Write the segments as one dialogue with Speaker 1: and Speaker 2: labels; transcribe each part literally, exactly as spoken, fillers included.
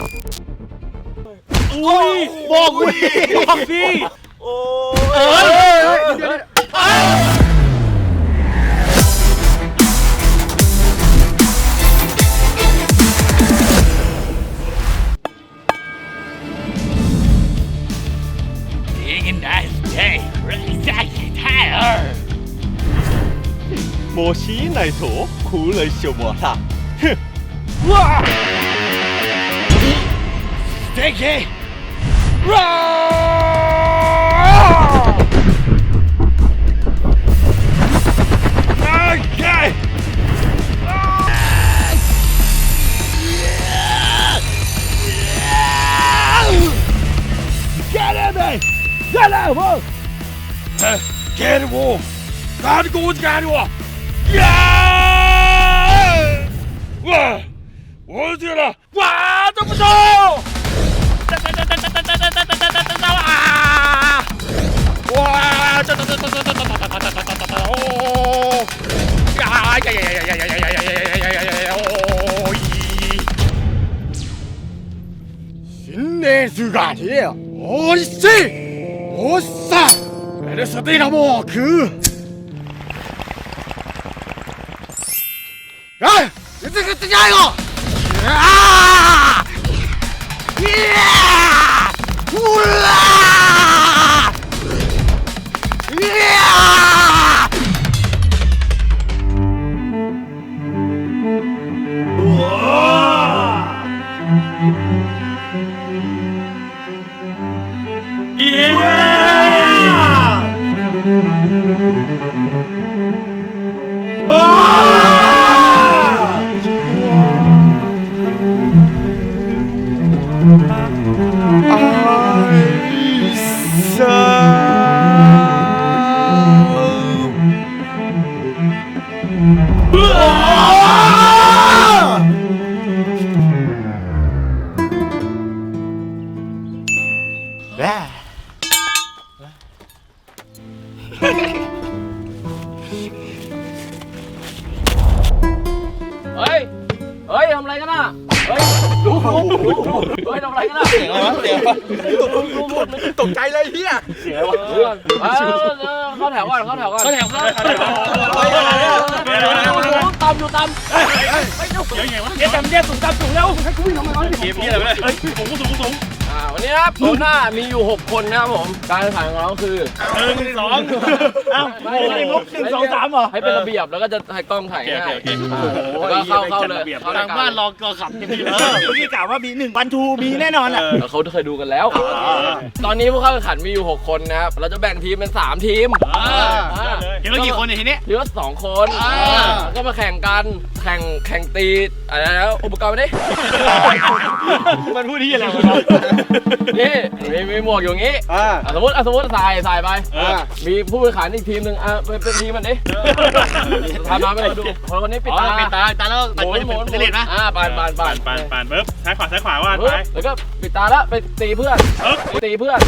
Speaker 1: อุ้ยบอกกูบอกสิโอ้เอ้ย
Speaker 2: 摩西奶头苦了小摩擦，哼！
Speaker 1: 哇 ！Sticky！ OK！ Get at me! Get at me! Get at me! 赶紧赶我！呀！哇！我去了！哇！这么重！哒哒哒哒哒哒哒哒哒哒哒哒啊！哇！哒哒哒哒哒哒哒哒哒哒哒哒哦！呀呀呀呀呀呀呀呀呀呀呀呀呀呀哦！新年姿でおいしい！おっさ！エルスティナも食う！哎，这这个这家伙！啊！呀！呼啦！呀！哇！耶！啊！เฮ้ย เฮ้ยทำอะไรกันน่ะ เฮ้ยดูดูดูเฮ้ยทำอะไรกันน่ะ
Speaker 2: เสียงอะไรวะเสียงตกใจเลยเฮียเสียงอะไรวะ
Speaker 1: เข้าแถวก่อนเข้าแถวก่อน
Speaker 2: เข้าแถวเข้าแถว
Speaker 1: ตามอยู่ตามเฮ้ยเฮ้ยเฮ้ยเดี๋ยวไงวะเดี๋ยวตามเดี๋ยวสูงตามสูงแล้วให้กูวิ่งทำไมวะเกมนี้อะไรเฮ้ยสูงสูงสูงอ่าวันนี้ครับโซน่ามีอยู่หกคนนะครับผมการแข่งขันของเราคือหนึ่งสองอ้าวไม่ได้งบหนึ่งสองสามเหรอให้เป็นระเบียบแล้วก็จะให้กล้องถ่ายง่ายแล้วก็เข้าเข้าเลยทางบ้านรอก็ขับกันดีเลยเมื่อกี้กล่าวว่ามีหนึ่งวันทูมีแน่นอนอ่ะเขาเคยดูกันแล้วตอนนี้ผู้เข้าแข่งขันมีอยู่หกคนนะครับเราจะแบ่งทีมเป็นสามทีมทีมละกี่คนเนี่ยทีนี้ทีมละสองคนก็มาแข่งกันแข่งแข่งตีอะไรแล้วอุปกรณ์ไม่ได้มันพูดที่อะไรวะนี่มีมีหมวกอยู่งี้สมมติสมมติใส่ใส่ไปมีผู้แข่งขันอีกทีมหนึ่งอ่ะเป็นทีมมันดิทำมาไม่ได้ดูคนคนนี้ปิดตาปิดตาตาแล้วหมุนหมุนเล่นนะอ่าปานปานปานปานปานปึ๊บซ้ายขวาซ้ายขวาว่าไปแล้วก็ปิดตาแล้วไปตีเพื่อนตีเพื่อน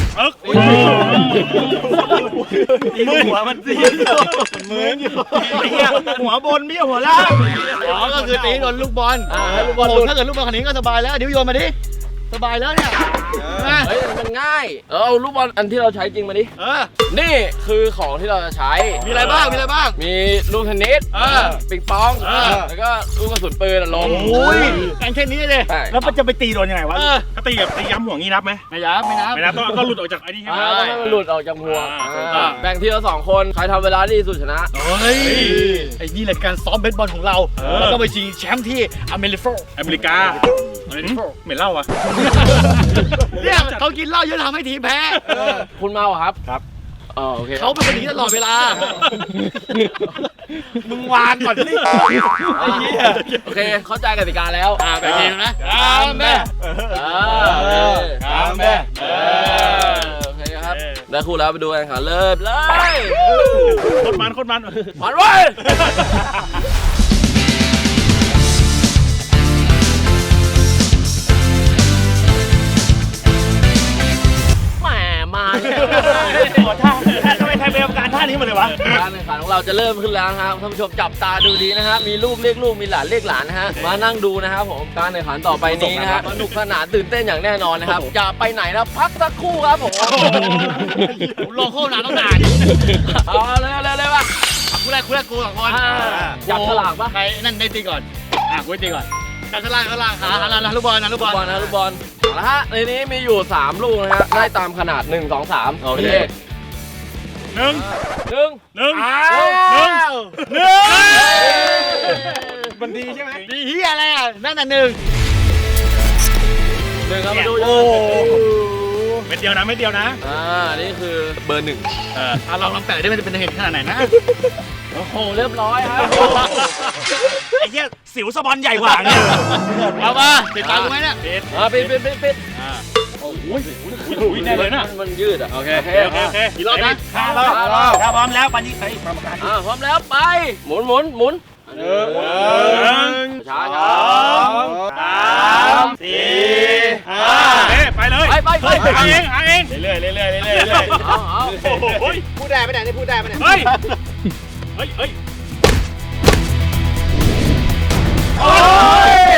Speaker 1: มือหัวมันตีมือหัวบนไม่หัวล่างอ๋อก็คือตีโดนลูกบอลลูกบอลถ้าเกิดลูกบอลคันนี้ก็สบายแล้วเดี๋ยวโยนมาดิสบายแล้วเนี่ยเฮ้ยมันง่ายเอาลูกบอลอันที่เราใช้จริงมาดินี่คือของที่เราจะใช้มีอะไรบ้างมีอะไรบ้างมีลูกเทนนิสปิงปองแล้วก็ลูกกระสุนปืนลงโอ้ยการแค่นี้เลยแล้วมันจะไปตีโดนยังไงวะถ้าตีแบบตีย้ำหัวงี้นับไหมไม่ย้ำไม่นับไม่นับก็หลุดออกจากไอ้นี่ใช่ไหมมันหลุดออกจากหัวแบ่งทีละสองคนใครทำเวลาดีสุดชนะเฮ้ยไอ้นี่แหละการซ้อมเบสบอลของเราแล้วก็ไปชิงแชมป์ที่อเมริกาอเมริกาเหม็นเหล้าอ่ะเนี่ยเขากินเหล้าเยอะทำให้ทีมแพ้คุณเมาครับครับอ๋อโอเคเขาเป็นคนนี้ตลอดเวลามึงวางก่อนสิโอเคเข้าใจกติกาแล้วอ่าแบบนี้นะกามแม่กามแม่โอเคครับได้คู่แล้วไปดูกันค่ะเริ่มเลยโคตรมันโคตรมันมันเว้ยมาขอท่าทำไมไทยเป็นการท่านี้มาเลยวะ
Speaker 3: ะ
Speaker 1: การแข่งขันของเราจะเริ่มขึ้นแล้วนะครับท่านผู้ชมจับตาดูดีนะฮะมีลูกเรียกลูกมีหลานเรียกหลานนะฮะมานั่งดูนะครับผมการแข่งขันต่อไปนี้นะฮะสนุกสนานตื่นเต้นอย่างแน่นอนนะครับอย่าไปไหนนะพักสักครู่ครับผม
Speaker 3: ลงโค้งนานต้องนาน
Speaker 1: เอาเลยเลยเลยป่ะ
Speaker 3: กูแรกกูแรกกูสองคน
Speaker 1: จับฉลากป่ะ
Speaker 3: ใครนั่นได้ตีก่อนอ่ะกูตีก่อนจับฉลากฉลากหาหาลูกบอลนะลูก
Speaker 1: ลู
Speaker 3: บ
Speaker 1: ก
Speaker 3: อล
Speaker 1: บอลนะลูกบอลเอาละฮะในนี้มีอยู่สามลูกนะฮะไล่ตามขนาดหนึ่งสองสามโอเค
Speaker 2: หนึ่ง
Speaker 1: หนึ่ง
Speaker 2: หนึ่ง
Speaker 1: อ้า
Speaker 2: หนึ่ง
Speaker 1: ว
Speaker 2: หนึ่งมันดีใช่ไหม
Speaker 3: ดีเฮียอะไรอ่ะนั่นน่ะหนึ่ง
Speaker 1: หนึ่งครับมาดู
Speaker 2: โอ้เม็ดเดียวนะเม็ดเดียวนะ
Speaker 1: อ่านี่คือเบอร์หนึ่ง
Speaker 2: เออ
Speaker 3: อ่ะลองลองแปะได้มันจะเป็นเหตุขนาดไหนนะ
Speaker 1: โอ้โหเรียบร้อยครับ
Speaker 2: ไอ้เหี้ยสิวสปอนใหญ่กว่าเนี่ย
Speaker 3: เอามาติดตามกูไหมเนี่ย
Speaker 2: ปิด
Speaker 1: อ่าปิดปิดปิดปิด
Speaker 2: อ่าโอ้ยอุ้ยแน่เลยนะ
Speaker 1: มันมันยืดอ่ะโอเค
Speaker 2: โอเคโอเคโอเค
Speaker 3: กี่รอบนะ
Speaker 2: ห้ารอบถ้าพร้อมแล้วปันนี้ใครกรรมการ
Speaker 1: อ่าพร้อมแล้วไปหมุนหมุนหมุน
Speaker 2: หนึ่ง
Speaker 1: ช้า
Speaker 2: ส
Speaker 1: ช้า
Speaker 2: องสามสี่ห้าเอ๊ะไปเลย
Speaker 1: ไปไปไป
Speaker 2: หาเองหาเองเรื่อยๆเรื่อยๆเรื่อยๆเรื่อยๆ
Speaker 1: เอาเอา
Speaker 2: โอ้ย
Speaker 3: พูดได้ไหมเนี่ยนี่พูดได้ไหมเนี่ย
Speaker 2: เฮ้ยเฮ้ยเฮ้ยโอ้ย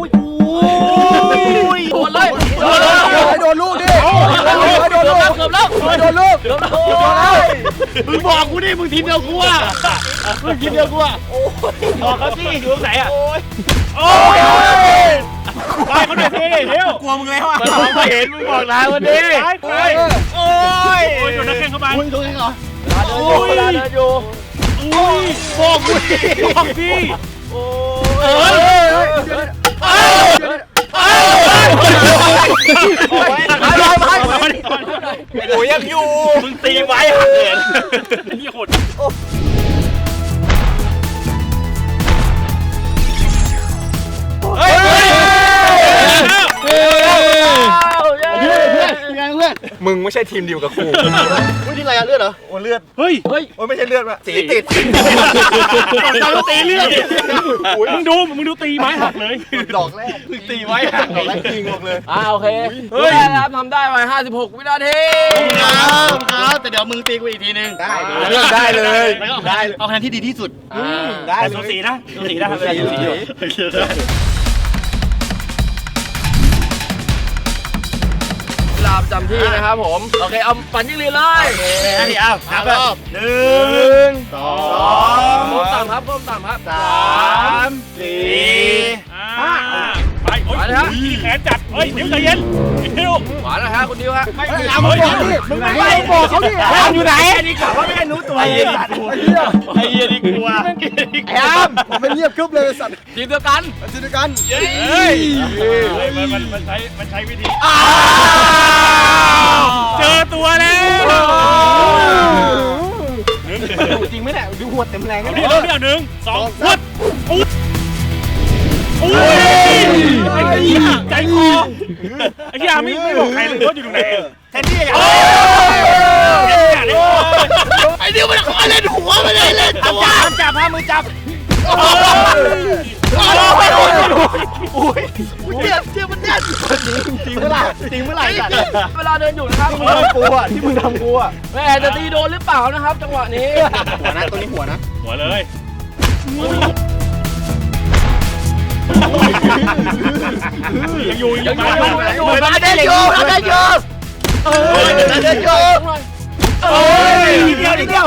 Speaker 1: โดนเลยโดนเลย
Speaker 4: โดนลูกดิ
Speaker 1: โดนแล้วเกือบแล้ว
Speaker 4: โดนลูก
Speaker 1: เกือบแล้ว
Speaker 3: มึงบอกกูดิมึงทีมเดียวกูอ่ะมึงทีมเดียวกูอ่ะ
Speaker 2: บอกเขาสิอยู่ตรงไหนอ่ะโอ้ยโอ้ยไปเขาหน่อยสิเร็วกลัวมึงแล้วอ่ะ
Speaker 3: มันมองไม่เห็นมึงบอกลาวันนี้
Speaker 2: ไปไปโอ้ยโอ้ยโดนนักแข่งเข้าไป
Speaker 3: มึงดูยังเหรอ
Speaker 1: เวลาเดินอยู่
Speaker 2: อุ้ยบอกกูดิบอกดิ
Speaker 3: เออ
Speaker 2: โอ้ยยังอยู่มึงตีไว้หักเหรียญนี่โหด
Speaker 4: เฮ้ย
Speaker 3: ยังเพื่อน
Speaker 4: มึงไม่ใช่ทีมเดียวกับกู
Speaker 3: พูดที่ไรอะเลือดเหรอ
Speaker 4: โอ้เลือด
Speaker 2: เฮ้ย
Speaker 1: เฮ้ย
Speaker 4: โอ้ไม่ใช่เลือดว่ะสีติด
Speaker 2: เราตีเลือดมึงดูมึงดูตีไม้หักเลย
Speaker 4: ดอกแรกตีไว้หักดอกแรกจริงบอกเลย
Speaker 1: อ่าโอเคเฮ้ยครับทำได้ไปห้าสิบหกวินาที
Speaker 3: ครับครับแต่เดี๋ยวมึงตีกูอีกทีนึง
Speaker 4: ได้เลือกได้เลย
Speaker 3: แล้วก็ได้เอาคะแนนที่ดีที่สุด
Speaker 1: อ่า
Speaker 4: ได้
Speaker 2: แต่
Speaker 4: เล
Speaker 2: สู
Speaker 4: ย
Speaker 2: สีนะสูสีนะสูสี
Speaker 1: เวลาประจำที่นะครับผมโอเคเอาปั่นยิงลีเลย
Speaker 2: นะพี่อ้าวนับรอบหนึ่งสอง
Speaker 1: ก้มต่ำครับก้มต่ำครับ
Speaker 2: สามสี่ห้าไปโอ้ยแขนจัดเฮ้ยเดี๋ยวใจเย็นเดี๋ยว
Speaker 1: หวานนะฮะคุณดิวฮะ
Speaker 2: ไม่เอามึงบอกดิมึงไม่บอกเขาดิอยู่ไหนอันนี้ข่าวว่าไม่รู้ตัวไอ้เหี้ยไอ้เหี้ยนี่กลัว
Speaker 4: ไอ้อามผมเป็นเงียบกึ๊บเลยสัตว์
Speaker 1: ทีมเดียวกัน
Speaker 4: จินตกัน
Speaker 2: เฮ้ยมันมันมันใช้มันใช้วิธีเจอตัวแล้ว
Speaker 4: จริงไหมเนี่ยดูหัวเต็มแรง
Speaker 2: เอา
Speaker 4: กัน
Speaker 2: ดิเอาดิเอาหนึ่งสองวัดอุ้ยอุ้ยไอ้เหี้ยใจคอไอ้เหี้ยไม่ไม่บอกใครเลยว่าอยู่ตรงไหนแทนที่จะไอ้เดี๋ยวมันขอเล่นหัวมันเลยเล่นตัวจับพามือจับโอ้ยโอ้ยเจ็บเจ็บมันแน่น
Speaker 4: จริงเมื่อไหร่จริงเมื่อไหร่สัตว์
Speaker 1: เวลาเดินอยู่นะครับ
Speaker 4: มึงทำกูอ่ะที่มึงทำกูอ่ะ
Speaker 1: แม่จะตีโดนหรือเปล่านะครับ จังหวะนี้
Speaker 4: หัวนะตัวนี้หัวนะ
Speaker 2: หัวเลยยังอยู่ยังอยู่
Speaker 1: ยังอยู่
Speaker 3: เราได้โยเราได้โยเออเราได้โย
Speaker 2: โอ้ยเดียวเดียว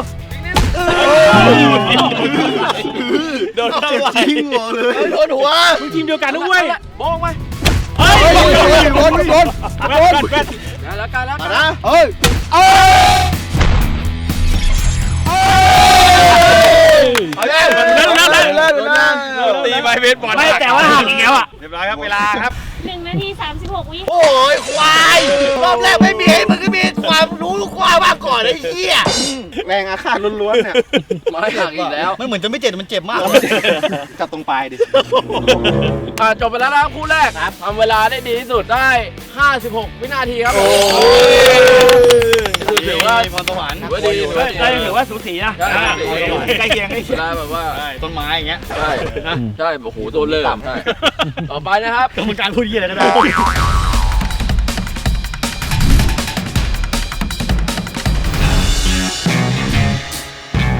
Speaker 2: โดนเข้าไป
Speaker 4: จริงหัวเลย
Speaker 3: โดนหัว
Speaker 2: มึงทีมเดียวกันด้วย
Speaker 1: บองไป
Speaker 2: เฮ้ย
Speaker 4: โดนโดน
Speaker 2: แว่นแว่น
Speaker 1: กันแล้วกันแล้วกัน
Speaker 4: นะเฮ้ยเอ้ย
Speaker 2: เล่นเล่นเล่น
Speaker 4: เล่นเล่น
Speaker 2: ตีไปเบสบอลไม่แต่ว่าห่างอีกแล้วอ่ะเรียบร้อยครับเวลาครับ
Speaker 5: หนึ่งนาทีสามสิบหกวิ
Speaker 3: โอ้ยควายรอบแรกไม่มีให้มึงก็มีความรู้ความมากก่อนไอ้เหี้ย
Speaker 4: แรงอาฆาตล้วนๆเนี่ย
Speaker 1: มาให้หลังอีกแล้ว
Speaker 3: มันเหมือนจะไม่เจ็บมันเจ็บมาก
Speaker 4: จับตรงปลายดิ
Speaker 1: อ่าจบไปแล้วนะครับคู่แรกทำเวลาได้ดีที่สุดได้ ห้าสิบหก วินาทีครับ
Speaker 4: โอ้
Speaker 1: ถือว่า
Speaker 3: พรสวรรค์
Speaker 1: ถือว่าดีถือว่าดี
Speaker 2: ได้ถือว่าสูสีนะใกล้เคียงใกล้
Speaker 1: เว
Speaker 2: เคียง
Speaker 1: ลาแบบว่า
Speaker 3: ต้นไม้อย่างเงี้ย
Speaker 1: ใช่ใช่โอ้โหตัวเริ่มใช่ต่อไปนะครับ
Speaker 3: กรรมการพูดยี่อะไรก็ได้
Speaker 1: เ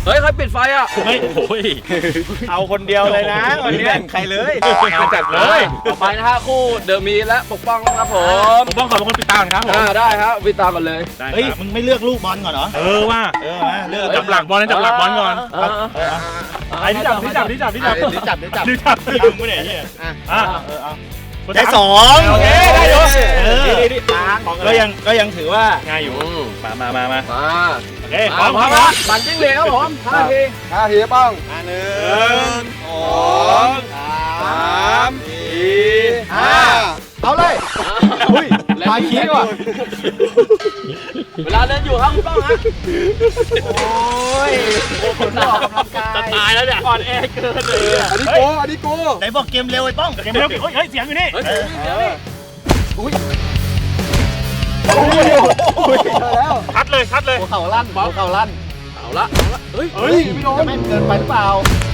Speaker 1: เฮ้ยใครปิดไฟอ่ะ
Speaker 2: ไม่โอ้ย
Speaker 4: เอาคนเดียวเลยนะวันนี้แบ่งใครเลย
Speaker 2: มาจัดเลย
Speaker 1: ต่อไปนะฮะคู่เดอะมีและปกป้องครับผม
Speaker 2: ผมต้องขอบคุณปิดตาก่อนครับผม
Speaker 1: อ่าได้ครับวิตามกันเลย
Speaker 3: เฮ้ยมึงไม่เลือกลูกบอลก่อนเหรอ
Speaker 2: เออว่า
Speaker 3: เออมาเลือก
Speaker 2: จับหลักบอลนะจับหลักบอลก่อน
Speaker 1: อ่า
Speaker 2: ไอ้ที่จับที่จับที่จับที่จับ
Speaker 4: เดี๋ยวจับเดี๋ยวจับ
Speaker 2: ที่จับที่จับกูเนี่ยเฮียอ่ะ
Speaker 3: เออเอา
Speaker 2: คน
Speaker 3: ได้
Speaker 2: สาม
Speaker 3: สอง
Speaker 2: โอเคได้อยู่
Speaker 3: เออ
Speaker 2: ดีดี
Speaker 3: ก็ยังก็ยังถือว่า
Speaker 2: ง่ายอยู่
Speaker 1: อืม
Speaker 2: มามามามา
Speaker 1: มา
Speaker 2: โอเคพ
Speaker 1: พ
Speaker 2: ร้
Speaker 1: ร้
Speaker 2: อ
Speaker 1: อ
Speaker 2: ม
Speaker 1: ม
Speaker 2: พ
Speaker 1: ค
Speaker 2: ร้อ
Speaker 1: รั
Speaker 2: ม
Speaker 1: บบันจิ้งเหลนครับผมห้าที
Speaker 4: ห้าทีป้อง
Speaker 3: อันหนึ่
Speaker 2: หนึ่
Speaker 3: ง
Speaker 2: ง
Speaker 3: สอง
Speaker 4: สามสี่ห้าเอาเลยอุ้ยปลาขี้ว่ะ
Speaker 1: เวลาเดินอยู่ครับคุณป้องฮะ
Speaker 3: โอ้ยคนออกกำลังกาย
Speaker 2: จะตายแล้วเนี่ยอ่อนแอเกินเลย
Speaker 4: อันนี้โกอันนี้โก
Speaker 3: ไหนบอกเกมเร็วไอ้ป้อง
Speaker 2: เกมเร็วเฮ้ยเสียงอยู่นี่
Speaker 1: เฮ้ยเดี๋ยวนี่
Speaker 4: อุ้ยเจอแล้ว
Speaker 2: ชัดเลยชัดเลย
Speaker 3: หัวเข่าลั่นหัวเข่าลั่น
Speaker 1: เอาละเอาละเฮ้ย
Speaker 4: เฮ้ยไม่โดน
Speaker 3: จะไม่เกินไปหรือเปล่า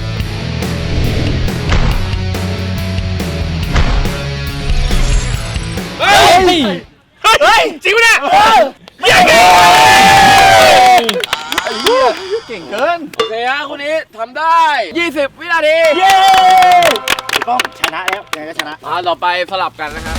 Speaker 2: เฮ้ยเฮ้ยจริงปะเนี่ยไม่อยากเก่ง
Speaker 4: ไอ้เหี้ยเก่งเกิน
Speaker 1: โอเคฮะคู่นี้ทำได้ยี่สิบวินาที
Speaker 2: เย้
Speaker 3: ป้องชนะแล้วยังไงก็ชนะ
Speaker 1: มาต่อไปสลับกันนะครับ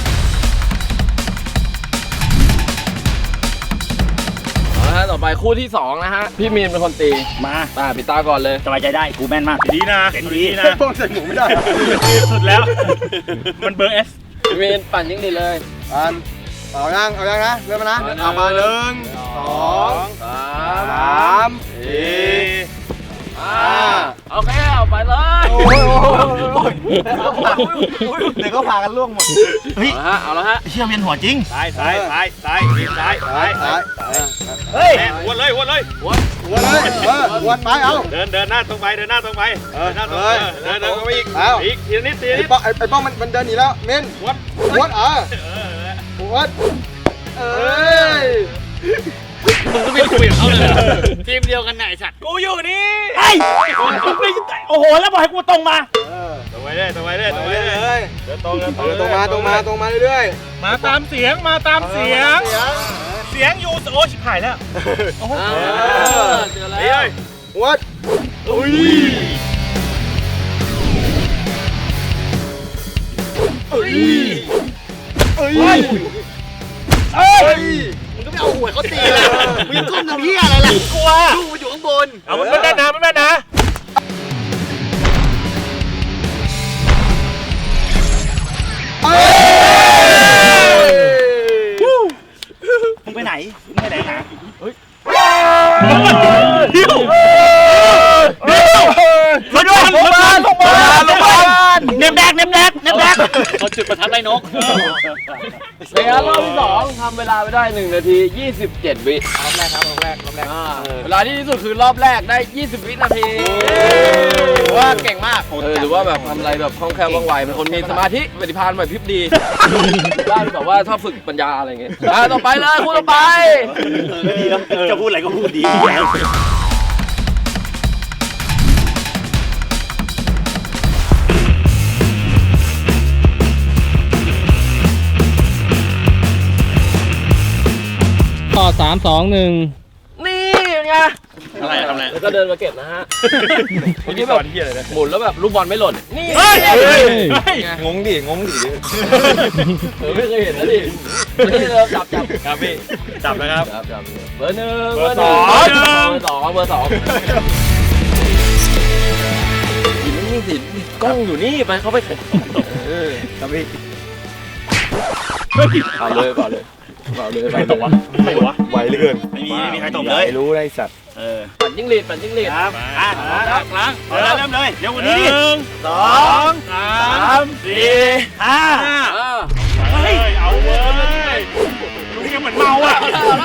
Speaker 1: เอาละฮะต่อไปคู่ที่สองนะฮะพี่มีนเป็นคนตี
Speaker 3: มา
Speaker 1: อ่าปิดตาก่อนเลย
Speaker 3: สบายใจได้กูแม่นมาก
Speaker 2: ดีนะเห็นดีนะ
Speaker 4: ป้องใส่หมูไม่ได้
Speaker 2: สุดแล้ว มันเบอร์เอส
Speaker 1: พี่มีนปั่นยิงดีเลย
Speaker 4: อันเอายังเอายังนะเริ่มนะเอามาหนึ่งสอง
Speaker 1: สา
Speaker 4: สาม ม
Speaker 2: สี่
Speaker 1: อ่าโอเคเอาไปเลย
Speaker 4: โอ้ยโอ้ย
Speaker 3: เดี๋ยวก็พากันล่วงหมดเฮ้ย
Speaker 1: เอาละฮะเอาละฮะ
Speaker 3: เชี่ยเวียนหัวจริง
Speaker 2: ซ้ายซ้ายซ้ายซ้ายซ้ายซ้าย
Speaker 4: ซ้าย
Speaker 3: เฮ้ย
Speaker 2: แม่วนเลยวนเลย
Speaker 4: วนเลยเออวนไปเอา
Speaker 2: เดินเดินหน้าตรงไปเดินหน้าตรงไปเดินหน้าตรงไปเดินเดินเข้าไปอีก
Speaker 4: เอา
Speaker 2: อีกทีละนิดทีละ
Speaker 4: ไอ้
Speaker 2: นิด
Speaker 4: ป้องไอ้ป้องมันมันเดินหนีแล้วเมน
Speaker 2: วน
Speaker 4: วนเออ
Speaker 2: เออ
Speaker 4: วนเอ้ย
Speaker 1: มึงก็ไม่คุยกับเขาเลยทีมเดียวกันไหนสัตว์
Speaker 2: กูอยู่นี่
Speaker 3: ไอ้โอ้โหแล้วบอกให้กูตรงมา
Speaker 2: ตรงไปเลยตรงไปเลยตรง
Speaker 4: ไป
Speaker 2: ไป
Speaker 4: เล
Speaker 2: เลย
Speaker 4: ย
Speaker 2: เดินตรงเดินตรง
Speaker 4: เออตรงมาตรงมาตรงมาเรื่อย
Speaker 2: มาตามเสียงมาตาม
Speaker 4: ๆ
Speaker 2: เสียง เสียงอยู่โอ้ชิบหายแล้ว
Speaker 1: อ่าเจอ
Speaker 2: นี่
Speaker 1: แล้
Speaker 2: เล
Speaker 1: วย
Speaker 4: วัดอุ้ยเอ้ยเอ้ยเอ้ย
Speaker 3: มึงก็ไม่เอาหัวเขาตีเลยมึงก้มทำเหี้ยอะไรล่ะกลัวลูกมันอยู่ข้างบน
Speaker 2: เอามันไม่แม่นนะไม่แม่นนะ
Speaker 4: เอ้ย
Speaker 3: มึงไปไหนมึงไปไหนหา
Speaker 2: เดี๋ยวเดี๋ยวรถบัสรถบัสรถบัสรถบัส
Speaker 3: เนมแดกเนมแดกเนมแดก
Speaker 1: เขาจุดประทัดไล่นกเสียรอบที่สองทำเวลาไปได้หนึ่งนาทียี่สิบเจ็ดวิรอบแรกครับรอบแรกรอบแรกเวลาที่ดีที่สุดคือรอบแรกได้ยี่สิบวินาทีถือว่าเก่งมากเออหรือว่าแบบทำอะไรแบบคล่องแคล่วว่องไวเป็นคนมีสมาธิปฏิภาณไหวพริบดีบ้านแบบว่าชอบฝึกปัญญาอะไรเงี้ยอ่ะต่อไปเลยคู่ต่อไป
Speaker 3: ดีแล้วจะพูดอะไรก็พูดดี
Speaker 6: ต่อสามสองหนึ่ง
Speaker 1: นี่เป็นไง
Speaker 2: อะไรทำอะไร
Speaker 1: แล้วก็เดินมาเก็บนะฮะเมื่อกี้แบบหมุนแล้วแบบลูกบอลไม่หล่นนี่
Speaker 2: เฮ้ย
Speaker 1: ไง
Speaker 2: เฮ้ย
Speaker 1: ไง
Speaker 4: งงดิงงดิ
Speaker 1: เออไม่เคยเห็นนะดินี่เราจับจับ
Speaker 2: ครับพี่จับแล้วครับ
Speaker 1: จับจับเบอร์หนึ่ง
Speaker 2: เบอร์
Speaker 1: หนึ่
Speaker 2: สอง
Speaker 1: เบอร์สองเบอร์สองอยู่นี่สิกล้องอยู่นี่ไปเข้าไปเออ
Speaker 4: ครับพี่
Speaker 1: เอาเลยเปล่าเลยเปล่าเลย
Speaker 2: ใครตกวะใครวะ
Speaker 4: ไวเหลือเกิน
Speaker 3: ไม่มีไม่มีใครตบเลย
Speaker 4: รู้ได้สัตว์
Speaker 3: เออ
Speaker 1: ปั่นจิ้งหรีดปั่นจิ้งหรีด
Speaker 3: ครับอ่ะล้างล้างเริ่มเริ่มเลยเร็วกว่านี้ดิ
Speaker 2: หนึ่ง
Speaker 3: สอง
Speaker 2: สามสี่
Speaker 3: ห้า
Speaker 1: อ่า
Speaker 2: เฮ้ยเอาเว้ยดูยังเหมือนเมาอ่ะ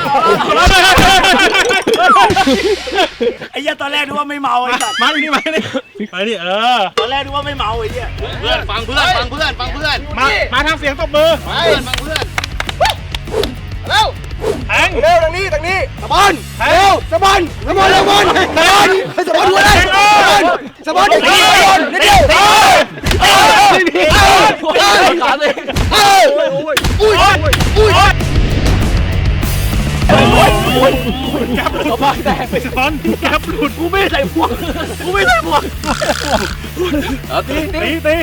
Speaker 3: ไอ้เหี้ยตอนแรกนึกว่าไม่เมาไอ้สัตว์
Speaker 2: มาดิมาดิมาดิเออ
Speaker 3: ตอนแรกนึกว่าไม่เมาไอ้เหี้ย
Speaker 1: เพื่อนฟังเพื่อนฟังเพื่อนฟังเพื่อน
Speaker 2: มามาทางเสียงตบมือ
Speaker 1: ฟังเพื่อนฟังเพื่อน
Speaker 4: เร็ว
Speaker 2: แทง
Speaker 4: เร็วทางนี้ทางนี้สะบอนเร็วสะบอนสะบอนสะบอนสะบอนสะบอนหัวเลยสะบอนสะบอนสะบอนนิดเดียวเออเออเออ
Speaker 1: ขาเลย
Speaker 4: เอออุ้ยอุ้ย
Speaker 2: เขาบ้าแตกไปซ้อนแก๊ปหลุด
Speaker 3: กูไม่ใส่พวกกูไม่ใส่พวก
Speaker 1: เอาตีตี
Speaker 2: ตีตี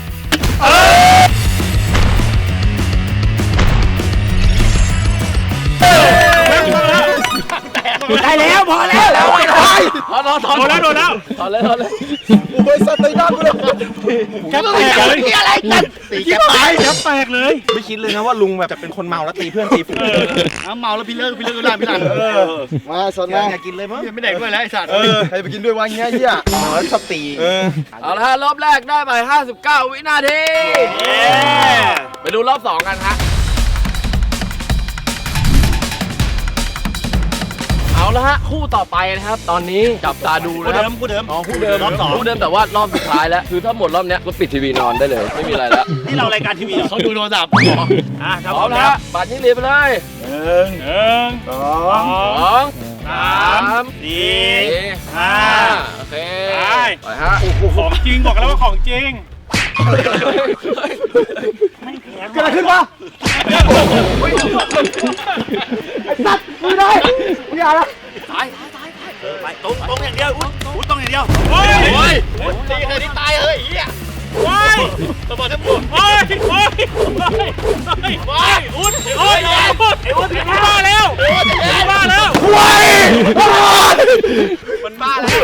Speaker 3: ได้แล้วพอแล้วแล้วไป
Speaker 1: ถอนถอนถอน
Speaker 2: โดนแล้วโดนแล้ว
Speaker 1: ถอนเลยถอนเลย
Speaker 4: โอ้ยสัตว์ตีหน้ากูเลย
Speaker 2: แก๊ปแตกเลย
Speaker 3: อะไรกัน
Speaker 4: ตีแก๊ปตาย
Speaker 2: แก๊ปแตกเลย
Speaker 4: ไม่คิดเลยนะว่าลุงแบบจะเป็นคนเมาแล้วตีเพื่อนตีฝูงเมาแล้วพี่เลิกพี่เลิกก็ได้พี่หลังมาสนมาอยากกินเลยมั้งไม่ได้ด้วยแล้วไอ้สัตว์ใครไปกินด้วยวะเงี้ยเหี้ยเมาแล้วชอบตี
Speaker 1: เอาละฮะรอบแรกได้ไปห้าสิบเก้าวินาทีไปดูรอบสองกันฮะเอาละฮะคู่ต่อไปนะครับตอนนี้จับตาดูนะครับ
Speaker 2: คู่เดิม
Speaker 1: อ๋อคู่เดิม
Speaker 2: รอบสอง
Speaker 1: คู่เดิมแต่ว่ารอบสุดท้ายแล้วคือถ้าหมดรอบเนี้ยก็ปิดทีวีนอนได้เลยไม่มีอะไรแล้ว
Speaker 2: นี่เรารายการทีวีเขาดูโทรศัพท์อ่ะครับ
Speaker 1: พร้อมนะฮะบัตรนี้เรียนไปเลย
Speaker 2: หนึ่งหนึ่งสอง
Speaker 1: สอง
Speaker 2: สามสี่
Speaker 1: สี่
Speaker 2: ห้า
Speaker 1: โอเค
Speaker 2: ไป
Speaker 1: ไปฮะ
Speaker 2: ของจริงบอกแล้วว่าของจริง
Speaker 4: เกิดอะไรขึ้นวะไอ้สัตว์ไม่ได้ไม่ได้ละ
Speaker 2: ไปตรงตรงอย่างเดียวอุ้ยอุ้ยตรงอย่างเดียวโอ้ยโอ้ย
Speaker 3: ตีใครที่ตายเฮ้ยเหี้ย
Speaker 2: โอ้ยสมบัติทั้งหมดโอ้ยโอ้ยโอ้ยโอ้ยอุ้ยโอ้ยอุ้ยอุ้ยบ้าแล้วบ้าแล้ว
Speaker 4: ควาย
Speaker 2: มันบ้าแล้ว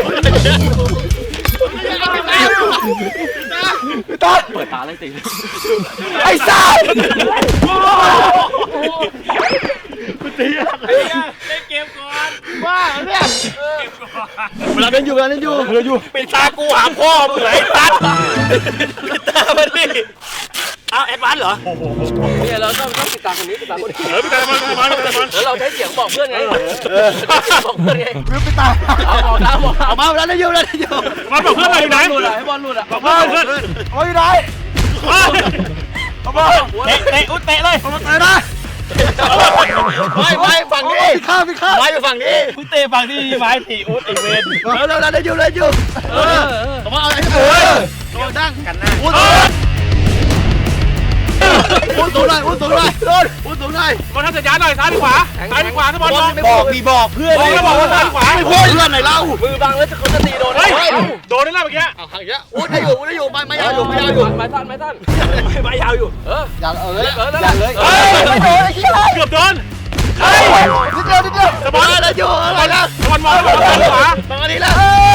Speaker 4: พี่ต๊อด
Speaker 1: เปิดตาเลยติ
Speaker 4: ไอ้สัตว์
Speaker 2: ตีอะไรเล่นเกมก่อน
Speaker 3: บ้าเนี่ย
Speaker 4: เวลาเล่นอยู่เวลาเล่นอยู่เวลาอยู่
Speaker 2: ปิดตากูหาพ่อมึงไหนตัดปิดตามันดิเอาแอดวานซ์เหรอ
Speaker 1: เนี่ยเราต้องต้องติดตามคนนี้ติดตามคนนี้
Speaker 2: เออปิดตามันปิดตามันปิดตามัน
Speaker 1: แล้วเราใช้เสียงบอกเพื่อนไงบอกเพื่อนไง
Speaker 4: ลืมไปตาย
Speaker 1: เอาบอกนะบอก
Speaker 3: เอามาเวลาเล่นอยู่เวลาเล่นอยู่
Speaker 2: มันบอกเพื่อนอะไรไหน
Speaker 1: หลุดอะให้บอลหลุดอะ
Speaker 2: บอกเพื่อนเพื่อน
Speaker 4: โอ้ยได้เอาบอล
Speaker 2: เตะเตะอุ้ยเตะเลย
Speaker 4: เอามาเตะนะ
Speaker 3: ไปไปฝั่งนี้
Speaker 4: พี่ข้าพี่ข้า
Speaker 3: ไปไปฝั่งนี้
Speaker 2: อุ้ยเตะฝั่งที่ไม้ตีอุ้ยไอเวน
Speaker 3: แล้วแล้วเล่นอยู่เล่นอยู่
Speaker 1: เออ
Speaker 3: เอามาเอาไอ้
Speaker 4: เออ
Speaker 3: ตัวดัง
Speaker 2: กันหน้า
Speaker 3: พูดพูดสูงหน่อยพูดสูงหน่อยพูดสูงหน่อย
Speaker 2: บอลทำสัญญาณหน่อยซ้ายหรือขวาซ้ายหรือขวาถ้าบอลมอง
Speaker 4: บอกดีบอกเพื่อน
Speaker 2: มองแล้วบอกว่าซ้ายหรือขวา
Speaker 3: ไม่พูดเพื่อนไหนเล่า
Speaker 1: มือบังแล้วเขาจะตีโดน
Speaker 2: เฮ้ยโดนได้แล้วเมื่อกี้
Speaker 3: เอาห่างเยอะพูดได้อยู่พูดได้อยู่ไม่ไม่ยาวอยู่ไม่ยาวอยู่
Speaker 1: ไม้สั้นไม้สั้น
Speaker 2: ไม้ยาวอยู่
Speaker 1: เออ
Speaker 4: อย่างเออ
Speaker 1: เออนั่น
Speaker 4: อย่างเลย
Speaker 1: เออ
Speaker 4: ไม่โดนไอ้ขี้ไร
Speaker 2: เกือบโดน
Speaker 4: นิดเดียวนิดเดียว
Speaker 2: แต่บอล
Speaker 3: ได้อยู่อะไรนะ
Speaker 2: บอลมองแล้วบอกว่าซ้ายหรือขวา
Speaker 3: ตรงนี้แล้ว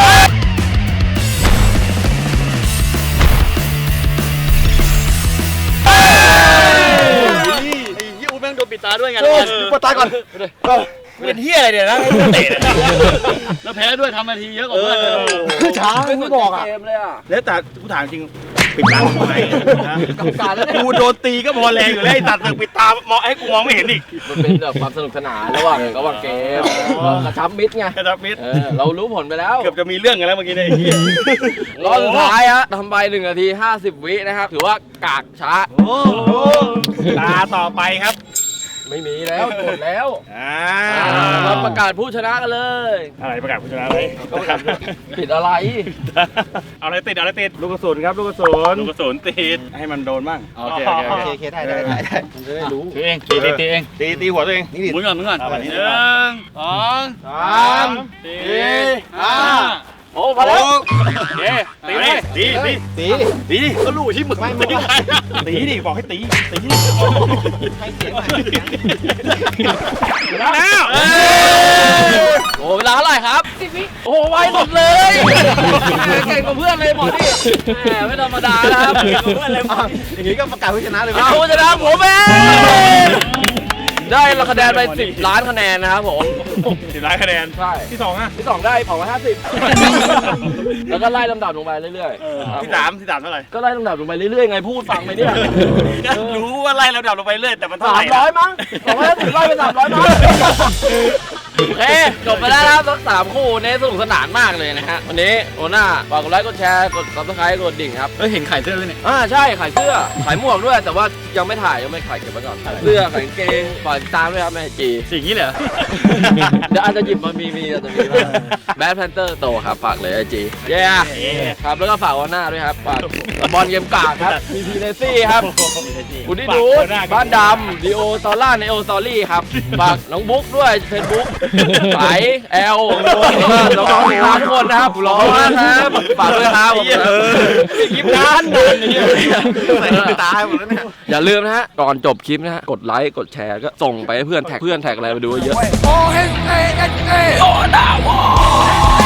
Speaker 3: ยี่อูแม่งโดนปิดตาด้วยไง
Speaker 4: โดนปวดตายก่อน
Speaker 3: เป็นเฮียอะไรเนี่ยนะเตะแล้วแพ้ด้วยทำนาทีเยอะกว่าเพื่อน
Speaker 4: ช้าไม่บอกอ่ะ
Speaker 1: เกมเลยอ่ะ
Speaker 2: แล้วแต่กูถามจริงปิดตาทำไม
Speaker 1: กรรมการแล้วเนี่ย
Speaker 2: กูโดนตีก็พอแรงอยู่แล้วไอ้ตัดมึงปิดตามองให้กูมองไม่เห็นอีก
Speaker 1: มันเป็นแบบความสนุกสนานระหว่างระหว่างเกมกระชับมิตรไง
Speaker 2: กระดับมิด
Speaker 1: เออเรารู้ผลไปแล้ว
Speaker 2: เกือบจะมีเรื่องกันแล้วเมื่อกี้เนี่ย
Speaker 1: รอบสุดท้ายฮะทำไปหนึ่งนาทีห้าสิบวินะครับถือว่ากากช้า
Speaker 2: ตาต่อไปครับ
Speaker 1: ไม่มีแล้วหมดแล้ว
Speaker 2: อ่า
Speaker 1: เราประกาศผู้ชนะกันเลย
Speaker 2: อะไรประกาศผู้ชนะอะไร
Speaker 1: ผิดอะไร
Speaker 2: เอาอะไรติดเอาอะไรติดลูกกระสุนครับลูกกระสุนลูกกระสุนติดให้มันโดนบ้างโอเคโอเค
Speaker 4: โอเคโอเคได้ได้ได้ได้
Speaker 1: จะได้รู้
Speaker 2: ตัวเองตีตีตีเองตีตีหัวตัวเอง
Speaker 4: นี่ดิ
Speaker 2: หมุนก่อนหมุนก่อนหนึ่งสอง
Speaker 4: สามสี่
Speaker 2: ห้า
Speaker 1: โอ้พอแล้ว
Speaker 2: เย้ตีเลยตีตี
Speaker 4: ตี
Speaker 2: ตีดิก็รู้ที่มึงไม่ตีตีดิบอกให้ตีตีดิแล้ว
Speaker 1: โอ้เวลาเท่าไหร่ครับสิบวิโอ้ไวสุดเลยเก่งกว่าเพื่อนเลยหมอนี่แหมไม่ธรรมดานะครับเก่งกว่าเพื่อนเลย
Speaker 4: อย่างนี้ก็ประกาศผู้ชนะเลย
Speaker 1: เอาผู้ชนะผมเองได้คะแนนไปสิบล้านคะแนนนะครับผม
Speaker 2: สิบล้านคะแนน
Speaker 1: ใช่
Speaker 2: ที่สองอ่ะ
Speaker 1: ที่สองได้สองร้อยห้าสิบแล้วก็ไล่ลำดับลงไปเรื่อยๆ
Speaker 2: ที่สามที่สามเท่าไหร่
Speaker 1: ก็ไล่ลำดับลงไปเรื่อยๆไงพูดฟังไปเนี่ย
Speaker 2: รู้ว่าไล่เราดับลงไปเรื่อยแต่มันเท่าไห
Speaker 1: สา
Speaker 2: ร่
Speaker 1: มร้อยมั้งสองร้อยห้าสิบไล่ไปสามร้อยมั้งโอเคจบไปแล้วนะครับทั้งสามคู่นี้สนุกสนานมากเลยนะฮะวันนี้โอน่าฝากกดไลค์กดแชร์กดซับสไครต์กดดิ่งครับ
Speaker 2: เฮ้ยเห็นไข่เสื้อด้วยเนี่ย
Speaker 1: อ่าใช่ขายเสื้อขายหมวกด้วยแต่ว่ายังไม่ถ่ายยังไม่ขายเก็บไว้ก่อนขายเสื้อขายกางเกงฝากติดตามด้วยครับแม่จี
Speaker 2: สิ่งนี้เหรอ
Speaker 1: เดี๋ยวอาจจะหยิบมามีมีอาจจะมีบ้างแบดแพนเตอร์โตครับฝากเลยไอจีเย้ครับแล้วก็ฝากวันหน้าด้วยครับฝากบอลเกมกากครับมีพีเนซี่ครับคุณที่ดูบ้านดำดีโอตอล่าในโอสตอรี่ครับฝากน้องบุ๊กด้วยเฟซบุ๊กสายแอลน้องๆทุกคนนะครับรอนะครับฝากด้วยครับคลิปนานนานอย่างเงี้ยใส่ตาให้หมดแล้วเนี่ยอย่าลืมนะฮะก่อนจบคลิปนะฮะกดไลค์กดแชร์ก็ส่งไปให้เพื่อนแท็กเพื่อนแท็กอะไรมาดูเยอะโอ้เฮ้เฮ้เฮ้โอ้ดาว